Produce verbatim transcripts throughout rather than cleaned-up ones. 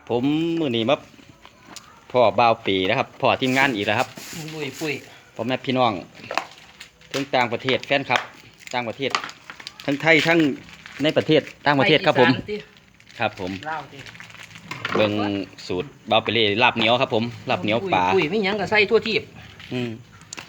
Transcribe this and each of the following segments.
ผมมือนี้มาพ่อบ่าวปีนะครับพ่อทีมงานอีกแล้วครับปุ้ยปุ้ยพ่อแม่พี่น้องทั้งต่างประเทศแฟนครับต่างประเทศทั้งไทยทั้งในประเทศต่างประเทศครับผมครับผมเบิ่งสูตรบ่าวไปเลยลาบเหนียวครับผมลาบเหนียวปลาปุ้ยไม่ยั้งก็ใส่ทั่วทีบอืม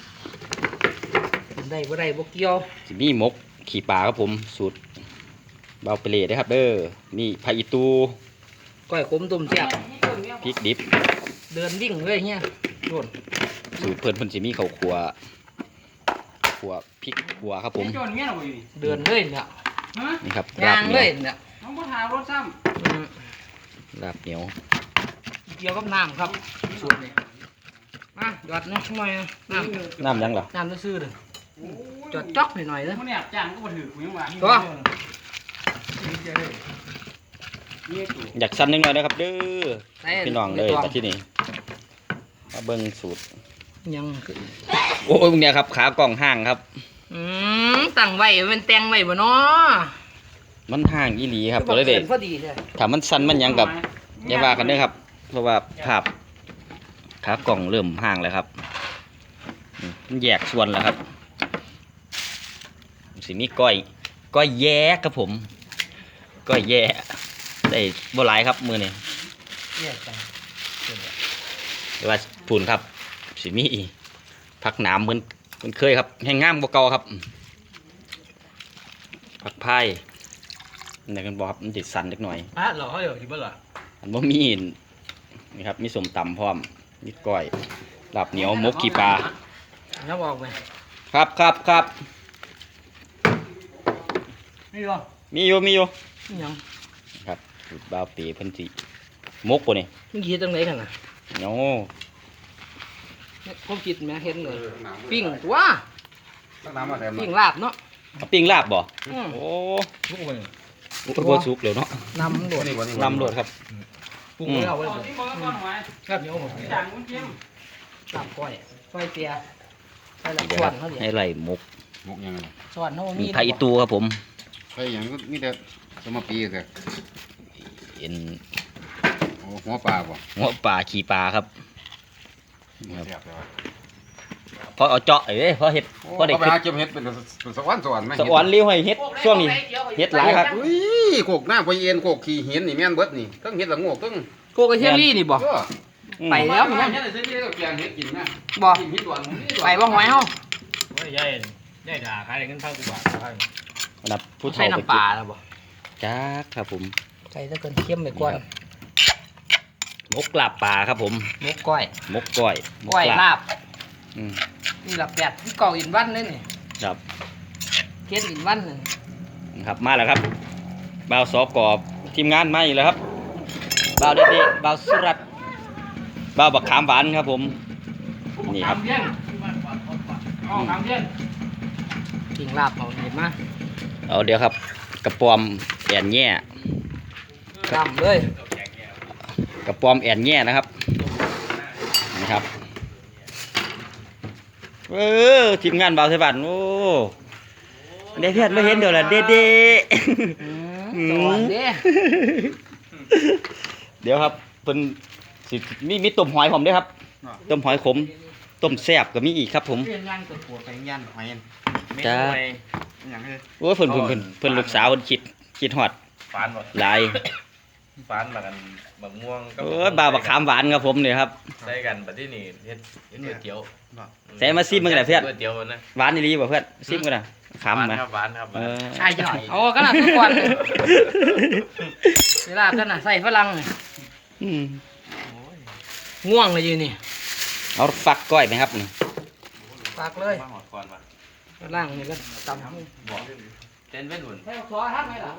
ได้บ่ได้บ่เกี่ยวสิมีหมกขี่ปลาครับผมสูตรบ่าวไปเลยนะครับเด้อนี่ผักอีตูก้อยขมต้มแซ่บพริกดิบเดินวิ่งเลยเงี้ยโดนสูตรเพิ่นเพิ่นสิมีข้าวคั่วคั่วพริกคั่วครับผมเดินเลยเนี่ยนี่ครับย่างเลยเนี่ยน้องก็ถามรถซ้ำลาบเหนียวเกี่ยวกับน้ำครับสูตรนี้มาหยอดนะหน่อยน้ำน้ำยังเหรอน้ำซื่อเลยจอดจ๊อกหน่อยๆเลยมันเนี่ยจางก็มาถือคุยมาตัวอยากสั้นนิดหน่อยนะครับเด้อพี่น้องเลยแต่ที่นี่มาเบิ้งสูตรยังโอ้ยพวกเนี้ยครับขากล่องห้างครับอืมตั้งไว้เป็นแตงไว้บ่เนาะมันห้างอีหลีครับตัวเด็กถ้ามันสั้นมันยังกับอย่าว่ากันเด้อครับเพราะว่าภาพขากล่องเริ่มห้างแล้วครับมันแยกส่วนแล้วครับสิมีก้อยก้อยแย่ครับผมก้อยแย่ได้บ่หลายครับมือนี่หรือว่าปูนครับสิมีผักหนามเหมือนเหมือนเคยครับแห้งง่ามบ่เก่าครับผักพายนี่กันบอกครับมันติดสันเล็กหน่อยอ่ะเหรอเขาเดี๋ยวคิดว่าเหรออันบ่มีนี่ครับมีสมตำพร้อมมีก้อยลาบเหนียวมกขี้ปลาน้ำออกไหมครับครับครับมีอยู่มีอยู่มีอยู่ยังครับบ่าวปีเพิ่นสิมกบ่นี่มึงคิดจังไดกันน่ะโอ้ผมคิดแม่เห็นเลยปิ้งตัวปิ้งลาบเนาะปิ้งลาบบ่โอ้บ่สุกแล้วเนาะน้ำโดดน้ำโดดครับปรุงแล้วไว้ครับเดี๋ยวผมจางมันเค็มลาบก้อยก้อยเปียใส่ละส่วนเขาเดี๋ยวให้ไหลมกมกยังไงส่วนเขามีผักอีตูครับผมใช่อย่างนี้แต่สมปีแต่เอ็นหัวปลาบ่หัวปลาขี่ปลาครับพอเอาเจาะเอ้ยพอเห็ดพอได้เก็บเห็ดเป็นสวรรค์สวรรค์ไหมสวรรค์เลี้ยวให้เห็ดช่วงนี้เห็ดหลายครับอุ้ยโขกหน้าไปเอ็นโขกขี่เห็นนี่แม่นเบิดนี่ต้องเห็ดละงอกต้องโกกระเทียมนี่นี่บ่ไปแล้วมั้งบ่ไปบ่หอยเฮาใหญ่ใหญ่ด่าขายเงินพันกว่าบาทนับผู้ใช้น้ำปลาแล้วบ่จ้าครับผมใส่ถ้าเกินเค็มไปก่อนมกลาบปลาครับผมมกก้อยมกก้อยก้อยลาบนี่หลับแปดที่เก่าอินวันเลยนี่ครับเกศอินวันนึงครับมาแล้วครับบ่าวสอกอบทีมงานมาอีกแล้วครับบ่าวเด็ดๆบ่าวสุรัตน์บ่าวบักขามหวานครับผมนี่ครับกินลาบเอาเห็นไหมเอาเดี๋ยวครับกระปอมแอนแง่กล้ำเลยกระปอมแอนแง่นะครับนี่ครับเออทีมงานบ่าวไทยบ้านโอ้เด็ดเพี้ยนไม่เห็นเดี๋ยวละเด็ดเด็ดเดี๋ยวครับเป็นสิมีมีต้มหอยผมด้วยครับต้มหอยขมต้มแซ่บก็มีอีกครับผมจ้าโอ้เพิ่นเพิ่นเพิ่นเพิ่นลูกสาวเพิ่นคิดคิดฮอดฟานบ่หลายฟานมากันมะม่วงโอ้บ่าวบักขามหวานครับผมนี่ครับใส่กันบัดนี้นี่เฮ็ดเฮ็ดก๋วยเตี๋ยวใส่มาซิมมึงได้เพื่อนก๋วยเตี๋ยวนะหวานอีหลีบ่เพื่อนซิมกันน่ะขามมั้ยหวานครับเออใช่จังหน่อยโอ้ขนาดทุกวันเวลาขนาดใส่ฝรั่งนี่อืมง่วงเลยอยู่นี่เอาฟักก้อยมั้ยครับนี่ฟักเลยล่างนี่ก็ตำบ่เต้นเว้นหุ่นให้ขอทักไหมล่ะ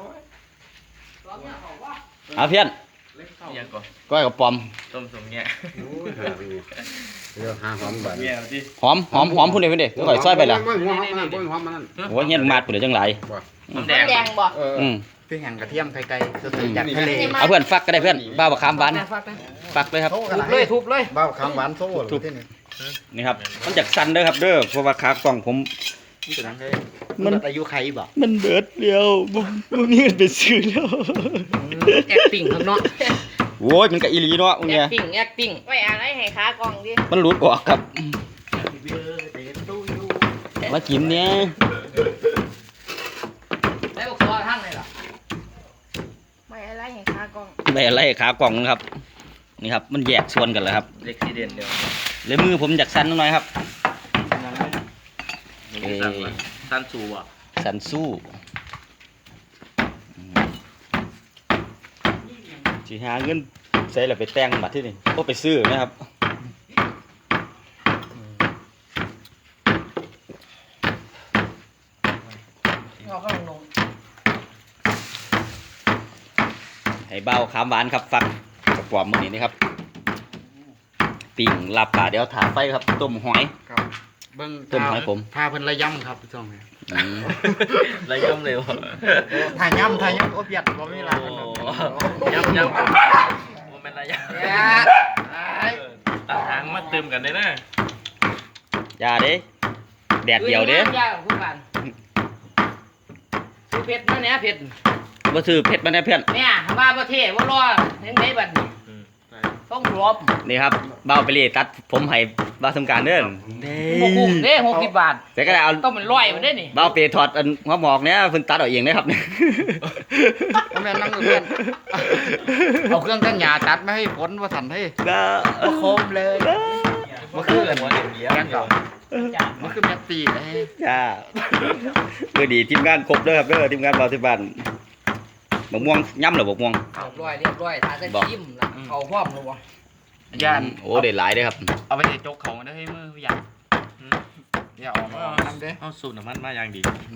เอาเพื่อนยังก่อนก้อยกับปอมต้มสมเนี่ยเดี๋ยวหาหอมบัดหอมหอมหอมพุ่นเด้พุ่นเด้เดี๋ยวค่อยซอยไปล่ะโอ้ยเฮ็ดมาดพุ่นเด้จังหลายหอมแดงบ่อืมคือแห้งกระเทียมไข่ไก่สดๆจากทะเลเอาเพื่อนฟักก็ได้เพื่อนบ่าวบักขามหวานฟักเลยครับทุบเลยทุบเลยบ่าวบักขามหวานโซ่ทุบนี่ครับมันจากสั่นเด้อครับเด้อเพราะว่าขากล่องผมมันอายุใครบ่มันเบิดเดียวบ่บ่มีเงินไปซื้อแล้วแอคติ้งข้างนอกโว้ยมันก็อีหลีเนาะมึงแอเนี่ยคติ้งแอคติ้งไว้อะไรให้ขากล่องดิมันหลุดออกครับมากินเนี่ยได้บอกตัวทั้งเลยเหรอไว้อะไรให้ขากล่องไปอะไรขากล่องนะครับนี่ครับมันแยกส่วนกันแล้วครับเล็กซีเดนเดียวเลยมือผมอยากสั้นหน่อยครับเอ้สั้นสูอ่ะสันสู้สิหาเงินใส่แล้วไปแต่งบัตรที่นี่ก็ไปซื้อนะครับเอาเข้าลงให้เบาขามหวานครับฟักกระป๋อมมือนี้นะครับปิ่งลาบป่าเดี๋ยวถาไฟครับต้มหอยครับเบิ่งต้มหอยผมพาเพิ่นระยำครับพี่ช่องนี้อืมระย่ำเร็วถ่ายยำถ่ายยำโอ้เปียดบ่มีเวลาเพิ่นย่ำย่ำมันเป็นระย่ำเนี่ยตัดทางมาเติมกันได้นะอย่าเด้แดดเดียวเด้ยากคุณบ้านซื้อเพชรมาเนี่ยเพชรมาซื้อเพชรมาแน่เพื่อนเนี่ยว่าประเทศว่ารอเห็นไหมบัดนี้ต้องรบนี่ครับเบาไปเลยตัดผมให้เบาทำการเด้อหกคุ้มเด้หกสิบบาทแต่ก็ได้เอาต้องเป็นร้อยมาได้นี่เบาไปถอดอันหัวหมอกเนี้ยเพิ่นตัดเอาเองนะครับบ่แม่นนั่งอยู่เพื่อนเอาเครื่องตั้งหญ้าตัดมาให้ผลว่าทันให้ก็โคมเลยมันคือหัวเดียวเดียวแม่นต่อมันคือแม่ตีเลยจ้าเมื่อดีทีมงานครบเด้อครับเด้อทีมงานเบาที่บ้านบกม่วงย่ำหรือบกม่วงเรียบร้อยเรียบร้อยทานจะจิ้มละเอาพร้อมเลยวะย่านโอ้ได้หลายเด้อครับเอาไปใส่จกเขามาได้ให้มือผู้ใหญ่อย่าเออกมาทำเด้เอาสูตรน้ำมันมาอย่างดีมา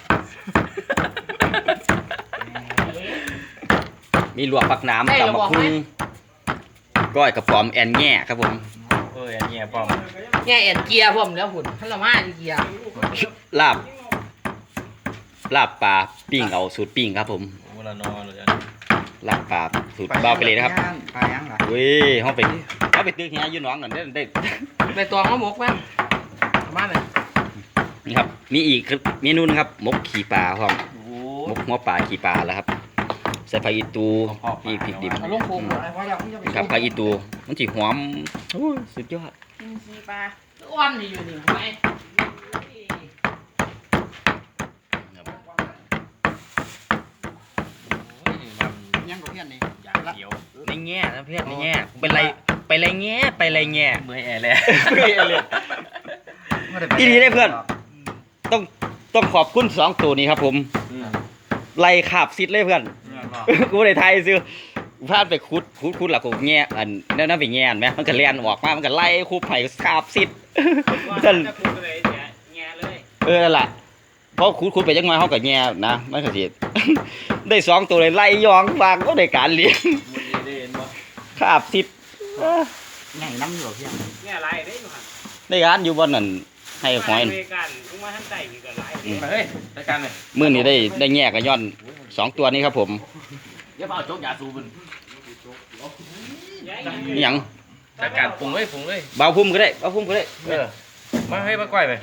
มีลวกผักน้ำตำมะพุงก้อยกระป๋อมแอนแง่ครับผมเอออันนี้ป้อมแง่เอ็นเกียร์พร้อมแล้วหุ่นท่านละมาเกียร์ลาบลาบปลาปิ้งเอาสูตรปิ้งครับผมเวลานอนเลยลาบปลาสูตรเบาไปเลยนะครับไปยังล่ะเว้ยเฮาไปเฮาไปตึกเฮียอยู่หนองนั่นได้ได้ไปตัวเขาหมกแม่มาเลยนี่ครับมีอีกเมนูนึงครับหมกขี่ปลาพร้อมโอ้หมกหัวปลาขี่ปลาแล้วครับใส่ผักอีตูมีพริกดิบเอาลงโคมอะไรเพราะเราไม่จะไปครับผักอีตูมันสิหอมโอ้ยสุดยอดกินขี้ปลาอ้วนนี่อยู่นี่ทำไมยังกับเพื่อนนี่อยากเขียวในแง่นะเพื่อนในแง่ไปไรไปไรแง่ไปไรแง่เมื่อยแอร์แล้วที่นี่ได้เพื่อน ต้องต้องขอบคุณสองตัวนี้ครับผมไล่ขาบซิดเลยเพื่อน กูได้ไทยซื้อพลาดไปคุดคุดคุดหลักกูแง่อันนั่นนั่นไปแง่ไหมมันก็เลียนออกมามันก็ไล่คูไผ่ขาบซิดนั่นเออนั่นแหละเพราะคุดคุดไปจังไงเขาก็แง่นะมันก็สิได้สองตัวเลยไล่ยองฟางก็ได้การเลี้ยงขาบซิดใหญ่น้ำอยู่เพื่อนเนี่ยไรได้อยู่หันได้การอยู่บนนั่นให้หอยเวกันลุงมาท่านใส่มีกันไรมาเฮ้ยรายการเลยมื่อนี้ได้ได้แง่กับย้อนสองตัวนี้ครับผมเดี๋ยวเอาโจ๊กยาสูบมันนี่หยังรายการปรุงเลยปรุงเลยเบาพุ่มก็ได้เบาพุ่มก็ได้เออมาให้มาก้อยไป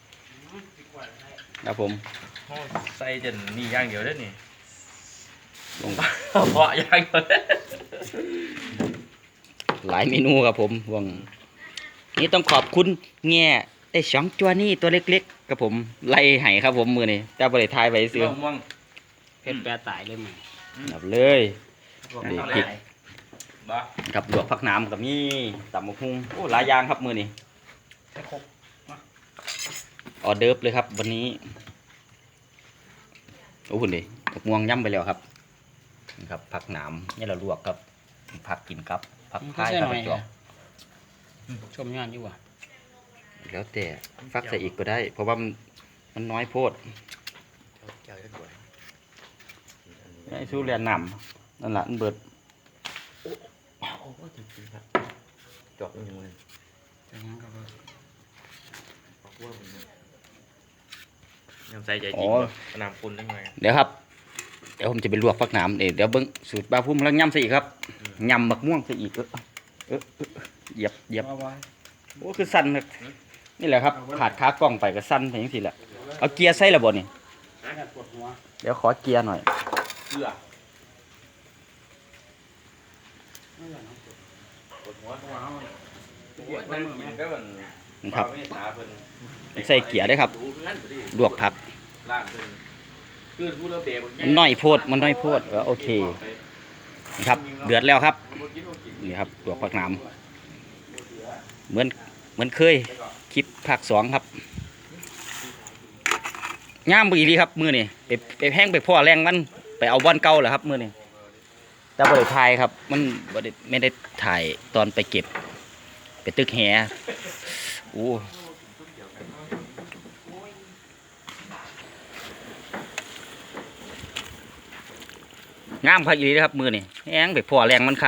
ครับผมใส่จนนี่ย่างเดียวเด้อนี่ลงเพาะย่างเดียวเด้อหลายเมนูครับผมวงนี่ต้องขอบคุณแง่ไอ้สองตัวนี้ตัวเล็กๆครับผมไล่ไห้ครับผมมือนี่เจ้าบริทายไปซื้อม่วงเพชรแปรตายเลยมึงนับเลยนี่พริกบ้ากับลวกผักน้ำกับนี่ตำมะฮุ่งโอ้หลายอย่างครับมือนี่ออเดิร์ฟเลยครับ วันนี้โอ้คุณดิผักม่วงย่ำไปแล้วครับนี่ครับผักหนามนี่เราลวกครับผักกินครับผักพายผักจอกชมงานอยู่ว่ะแล้วแต่ฟักใส่อีกก็ได้ เพราะว่ามันมันน้อยโพดไอ้ชูเรียนนำนั่นแหละมันเบิดจอกยังไงยังใส่ใจจริงน้ำปุ่นได้ไงเดี๋ยวครับเดี๋ยวผมจะไปลวกฟักหนามเดี๋ยวเดี๋ยวเบิ้งสูตรปลาพุ่มแล้วย่ำใส่อีกครับยำบักม่วงใส่อีกเออเออเออเหยียบเหยียบโอ้คือสั้นครับนี่แหละครับขาดขากล้องไปก็สั้นไปอย่างสิแหละเอาเกียร์ใส่ระบบนี่เดี๋ยวขอเกียร์หน่อยเกลือปวดหัวตัวเฮาครับใส่เกียร์ด้วยครับลวกผักมันน้อยโพดมันน้อยโพดก็โอเคนะครับเดือดแล้วครับนี่ครับลวกผักหนามเหมือนเหมือนเคยคลิปภาคสองครับย่ามอีดีครับมือนี่ไปไปแห้งไปพ่อแรงมันไปเอาบอลเก่าเหรอครับมือนี่แต่บริถ่ายครับมันบริไม่ได้ถ่ายตอนไปเก็บไปตึกแหโอ้งามคักอีดีครับมือนี่แห้งไปพ่อแรงมันคัก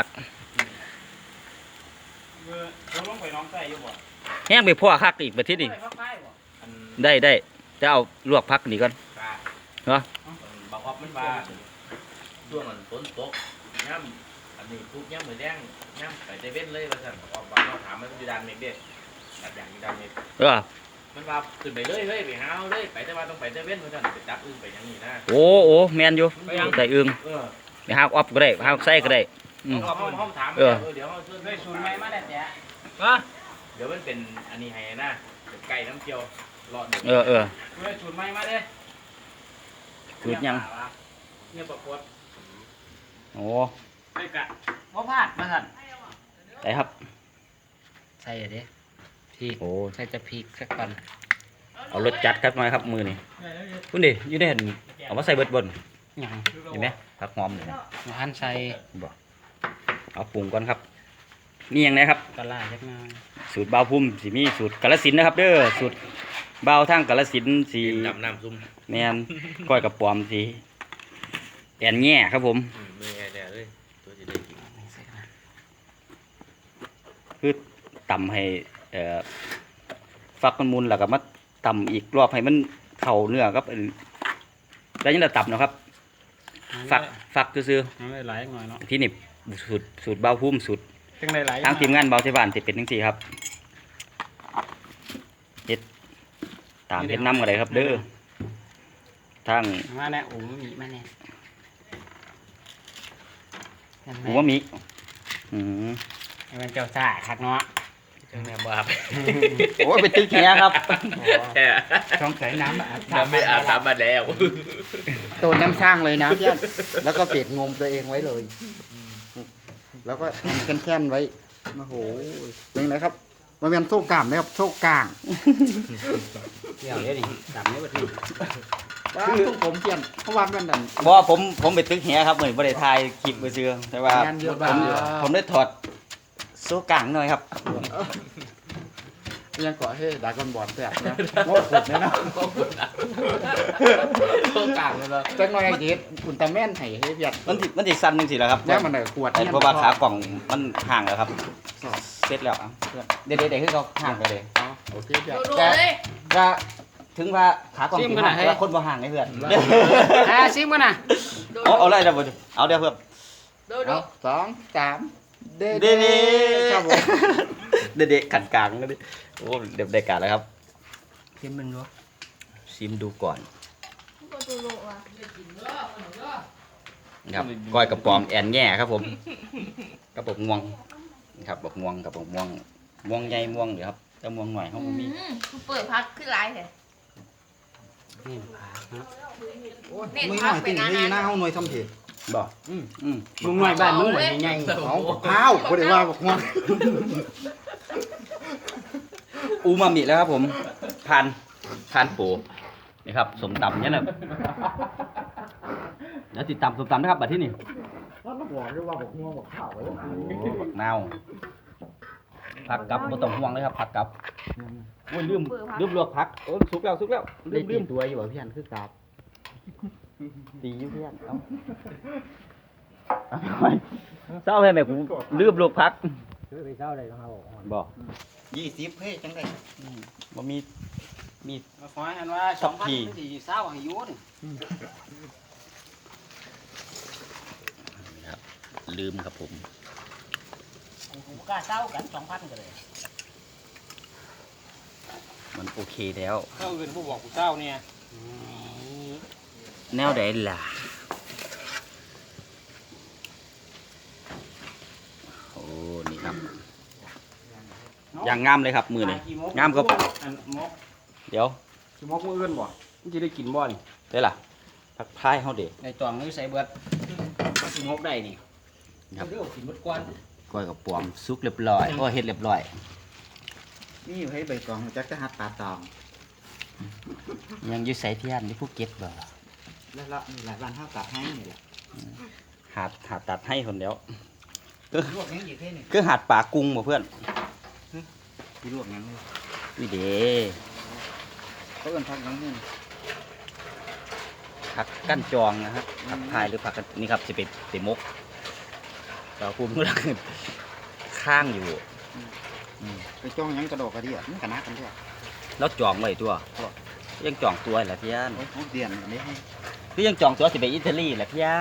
มือเราลงไปน้องใส่อยู่บ่แห้งไปพ่อคักอีกประเทศนี้ใส่พักไม้บ่ได้ได้จะเอาลวกพักนี่ก่อนเหรอบอกว่ามันว่าช่วงมันฝนตกย่ำอันนี้ทุกย่ำเหมือนแดงย่ำไปเซเว่นเลยว่าสั่นบอกว่าเราถามมันอยู่ด้านเมฆเด็ดตัดอย่างอยู่ด้านเมฆเออมันว่าขึ้นไปเลยเฮ้ยไปหาเอาเลยไปแต่ว่าต้องไปเซเว่นว่าสั่นไปจับอึ้งไปอย่างนี้นะโอ้โอ้แมนอยู่ได้อึงเออไปหาออฟก็ได้หาไส้ก็ได้อืมเขาเขาเขาถามเออเดี๋ยวเขาช่วยได้สูตรใหม่มาแล้วแจ๊ะเดี๋ยวมันเป็นอันนี้ให้นะเป็นไก่น้ำเคี่ยวรอดเออเออได้สูตรใหม่มาเด้สูตรยังเนี่ยประกวดโอ้ได้กะบ่พลาดมาสั่นไปครับใส่อะเด้พริกโอ้ใส่จะพริกสักปันเอารสจัดครับหน่อยครับมือนี่คุณดิอยู่ในเห็นเอามาใส่เบิดบนยังเห็นไหมผักหอมเลยมาหั่นใส่บอกเอาปรุงก่อนครับนี่ยังไงครับปลาร้าจักหน่อยสูตรเบาวพุ่มสีมีสูตรกาฬสินธุ์นะครับ เด้อสูตรเบาวทั้งกาฬสินธุ์สีดำน้ำซุ่มแมนก้อยกับปอมสีแอนแง่ครับผมมือแอร์เลยตัวจะได้กินใส่กันคือตำให้เอ่อฟักมันมุนแล้วก็มาตำอีกรอบให้มันเข้าเนื้อครับแล้วยังจะตำนะครับ ฟักฟักซื่อน้ำได้หลายหน่อยเนาะๆที่นี่สูตรสูตรเบาพุ่มสูตรจังได้หลายทางทีมงานเบาเทบานจะเป็นทั้งสี่ครับเฮ็ดตามเฮ็ดน้ำอะไรครับ เด้อทางมาแน่โอ้มีมาแน่หัวหมีอืมให้มันเจ้าซ่าคักเนาะจังแม่บ้าไปโอ้ยเป็นตึกแหครับแค่ช่องใส่น้ำอาบน้ำไม่อาบน้ำมาแล้วตัวน้ำสร้างเลยนะเพื่อนแล้วก็เปียกงมตัวเองไว้เลย แล้วก็ทำแค้นๆไว้โอ้โหเป็นไงครับมันเป็นโซ่กล้ามนะครับโซ่กลางเดี๋ยวเดี๋ยวนี่ดำนี่บ่ทีว้าวต้องผมเปลี่ยนเพราะว่ามันนั่นบ่ผมผมเป็นตึกแหครับเหมือนบ่ได้ถ่ายคลิปไปซื้อแต่ว่างานเยอะผมมากผมได้ถอดโซ่กลางหน่อยครับยังก่อให้ดากอนบอดแตกนะโง่ขดเนี่ยนะโซ่กลางเลยเหรอจังหน่อยไอ้เจ็ดอุลตร้าแม่นให้ให้เพียรมันสิมันสิสั่นจังซี่แหละครับแล้วมันได้ขวดแต่เนี่ยเพราะว่าขากล่องมันห่างแล้วครับเสร็จแล้วอ่ะเพื่อนเด็ดๆๆคือเขาห่างไปเลยอ๋อโอเคเพียรดูๆเลยก็ถึงว่าขากล่องสิห่างแต่ว่าคนบ่ห่างไอ้เพื่อนอ่าซิมกันนะดูเอาเอาเลยเดี๋ยวบ่เอาเดี๋ยวเพื่อนดูดูเอาสองสามเด้เด็ดครับผมเด็ดๆขันกลางก็ดิโอ้เด็ดได้การแล้วครับซิมมันดูชิมดูก่อนก็ดูดูอ่ะครับก้อยกระป๋อมแอนแง่ครับผมกระบอกม่วงครับบอกม่วงกระบอกม่วงม่วงใหญ่ม่วงเดี๋ยวครับแต่ม่วงหน่อยเขาบ่มีอืมคือเปิดพักขึ้นไลน์เหรอนี่ผักเนาะโอ้ยมือหน่อยติ่งนี่หน้าห้องหน่วยทำเถิดบ่อืมอืมมึงหน่อยบ้านมึงเหมือนใหญ่เอาข้าวบ่ได้ว่าบอกว่าอูมามิแล้วครับผมทานทานปูนี่ครับสมตำเนี่ยนะเดี๋ยวติดตามสมตำนะครับบัดที่นี่ว่าบอกด้วยว่าบอกง่วงบอกข้าวไว้โอ้บักนาวผักกับบ่ต้องห่วงเลยครับผักกับโอ้ยลืมลืมลวกผักโอ้ยสุกแล้วสุกแล้วลืได้มตีลืมตัวอยู่บ่พี่อันคือกราบตีอยู่เพื่อนเอาเอาไปเศร้าให้แม่กูลืมลวกผักซื้อไปเช้าเลยครับบ่ยี่สิบเฮ้ยจังได๋บ่มีมีมาขอให้ว่าสองพันสี่เศร้าให้ยุ่นครับลืมครับผมผมกล้าเศร้ากันสองพันกันเลยมันโอเคแล้วเจ้าอื่นผู้บอกกูเจ้าเนี่ยแนวใดล่ะคครับอย่างงามเลยครับมือนี่งามก็อันมกเดี๋ยวสิมกมืออื่นบ่มันจะได้กินบ่นี่ได้ล่ะพักพายเฮาเด็กในตองนี่ใส่เบิดสิมกได้นี่ครับเดี๋ยวกินหมดก่อนก้อยกับปอมซุกเรียบร้อยก็เฮ็ดเรียบร้อยนี่อยู่ให้ใบตองจักจะหัดปลาตองยังอยู่ไสเทียนที่ภูเก็ตบ่แล้วละมีหลายวันเท่ากับให้นี่แหละหาดหาดตัดให้คนเดียวลวกยังอีกแค่นี่คือหาดป่ากุ้งบ่เพื่อนที่ลวกยังเลยวิเดเขาเอิ้นพักยังนี่ผักกั้นจองนะครับผักพายหรือผักกันนี่ครับสิเป็นเตมกเราคุมก็ข้างอยู่ไปจ้องยังกระโดดกระเดี่ยมันกระนักกันด้วยแล้วจองไว้ตัวยังจองตัวแหละพี่ย่านโอ้ยเขาเดียนอันนี้ให้คือยังจองตัวสิไปอิตาลีแหละพี่ย่าน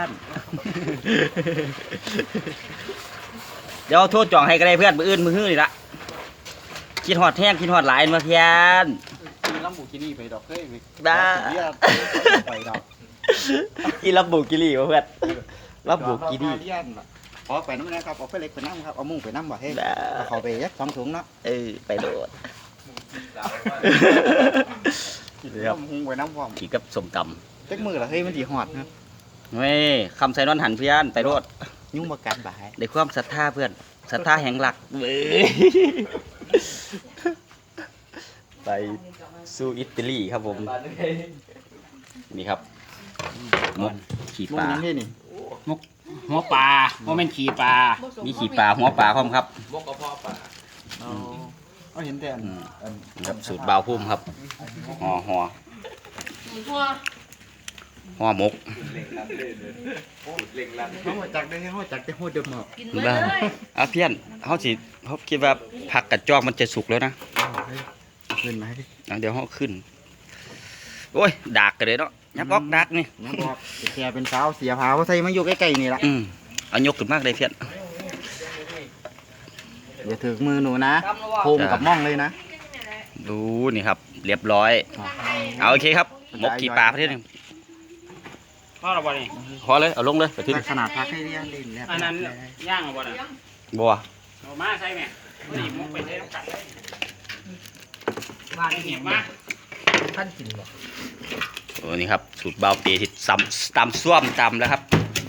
เดี๋ยวโทษจองให้ก็ได้เพื่อนมืออื่นมือฮื้อนี่ละคิดฮอดแห้งคิดฮอดหลายมาพี่ย่านมีลำบุกินี่ไปดอกเฮ้ยได้ไปดอกกินรับบุกิลี่วะเพื่อนรับบุกิลี่เดียนออกไปน้ำนะครับออกไปเล็กไปน้ำครับเอามุ่งไปน้ำบ่เฮ้ยได้เอาเขาไปยักสองถุงเนาะเออไปโดดสาวว่าครับเอามุ่งไปน้ำพร้อมขี่กับสมตจักมือละเฮ้ยมันดีหอดนะำเว้ยคำใส่นอนหันเพื่อนไปโดดยุ่งประกันบ่ายในความศรัทธาเพื่อนศรัทธาแห่งหลักเว้ยไปสู่อิตาลีครับผมนี่ครับมกขี่มุ่ปงลายังให้นี่หัวปลาบ่แม่นขี้ปลามีขี่ปลาหัวปลาพร้อมครับมกกระเพาะปลาเอาเอาเห็นแต่อันอืมอันครับสูตรบาวพุ่มครับห่อห่อหมูทั่วห่อหมกเล็งลัดเลยเลยเล็งลัดเขาจักได้เขาจักได้หัวเดิมหมอกกินเลยเลยอ่ะเพี้ยนเขาสิเขาคิดว่าผักกัดจอกมันจะสุกแล้วนะขึ้นไหมอ่ะเดี๋ยวเขาขึ้นโอ้ยดากกันเลยเนาะยับออกดากนี่น้องบอกแกเป็นสาวเสียผาเขาใส่มาอยู่ใกล้ๆนี่ละอืมเอายกขึ้นมากเลยเพี้ยนอย่าถือมือหนูนะโคมกับม่องเลยนะดูนี่ครับ เรียบร้อย เอาโอเคครับหมกขี่ปลาประเทศหนึงพอแล้วบ่นี่พอเลยเอาลงเลยไปทิ้งขนาดพักให้เรียนเล่นแล้วอันนั้นย่างเอาบ่น่ะบัวเอามาใส่แม่นี่มกไปใส่น้ำกันเลยบ้านเหีนี่ยบมาท่านกินบ่โอ้นี่ครับสูตรเบาเปที่ซ้ำตำส้วมตำแล้วครับ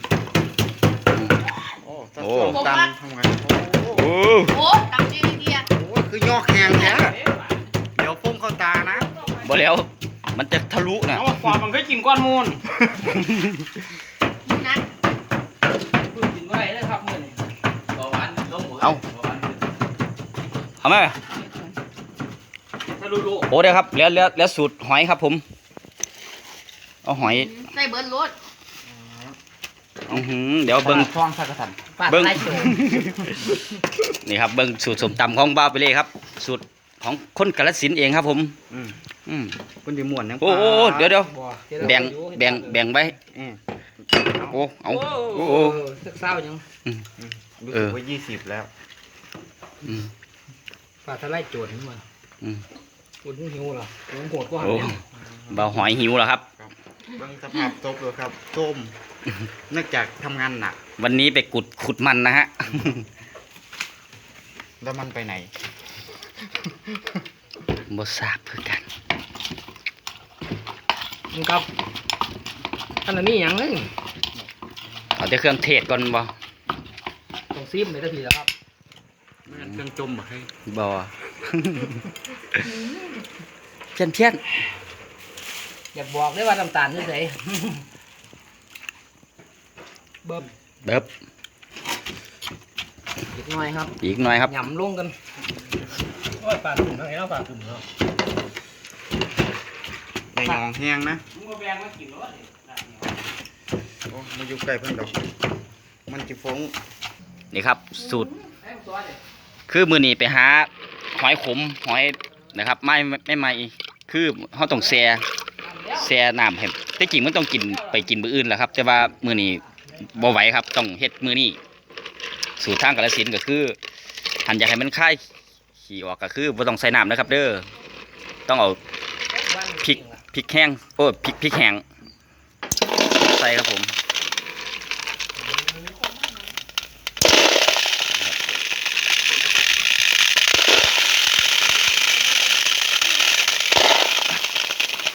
โอ้โอ้ส้มตำทำไงโอ้โอ้โอ้ตำจีนเดียโหคือยอกแหงแท้เดี๋ยวพุ่งเข้าตานะบ่แล้วมันจะทะลุนะเอาว่าความมันเคยกินก้อนมูลนะพูดกินไว้เลยครับมื้อนี้เบาหวานลงหัวเอาเบาหวานขึ้นเอาไหมถ้ารู้โอ้เดี๋ยวครับแล้วแล้วแล้วสูตรหอยครับผม เอาหอยใส่เบิร์ดรสอือหือเดี๋ยวเบิ้งคล้องสักกระสันปาดเบิ้งไล่โจนี่ครับเบิ้งสูตรสมตำของบ้าวไปเลยครับ สูตรของคนกาฬสินธุ์เองครับผมอืมอืมคุณดีม่วนยังโอ้โอ้โอ้เดี๋ยวเดี๋ยวบ่แบ่งแบ่งแบ่งไว้อืมโอ้เอาโอ้โอ้โหโอ้สักเศร้ายังรู้เอสึกอว่ายี่สิบแล้วอืมปาดทะไล่โจรนี่มันอืมอุ่นหิวเหรอหิวโหดกว่าโอ้บ่าวหอยหิวแล้วครับเบิ่งสภาพตกเลยครับส้มเนื่องจากทำงานหนักวันนี้ไปกุดขุดมันนะฮะแล้วมันไปไหนบ่ทราบคือกันมึงครับอันนั้นนี่หยังเลยเอาแต่เครื่องเทศก่อนบ่ต้องซิมเลยทันทีแล้วครับเครื่องจมบ่ให้บ่ เพี้ยนเพี้ยนอยากบอกได้ว่าน้ำตาลที่ไหนเบิ่มเบิบอีกหน่อยครับอีกหน่อยครับหย่ำลงกันโอ้ยปลาตุ่มเท่าไหร่แล้วปลาตุ่มเนาะในหนองแห้งนะมึงก็แบ่งมากินรถโอ้มันอยู่ใกล้เพิ่นดอก มันจะฟงนี่ครับ สูตร คือมือนี้ไปหาหอยขมหอยนะครับไม่ไม่ไม่คือเขาต้องแช่แช่น้ำให้แต่จริงมันต้องกินไปกินมื้ออื่นแหละครับ แต่ว่ามือนี้บ่ไหวครับต้องเฮ็ดมือนี้สูตรทางกาฬสินธุ์ก็คือหันอยากให้มันคายขี้ออกก็คือบ่ต้องใส่น้ำนะครับ เด้อต้องเอาพริกพริกแห้งโอ้พริกพริกแห้งใส่ครับผม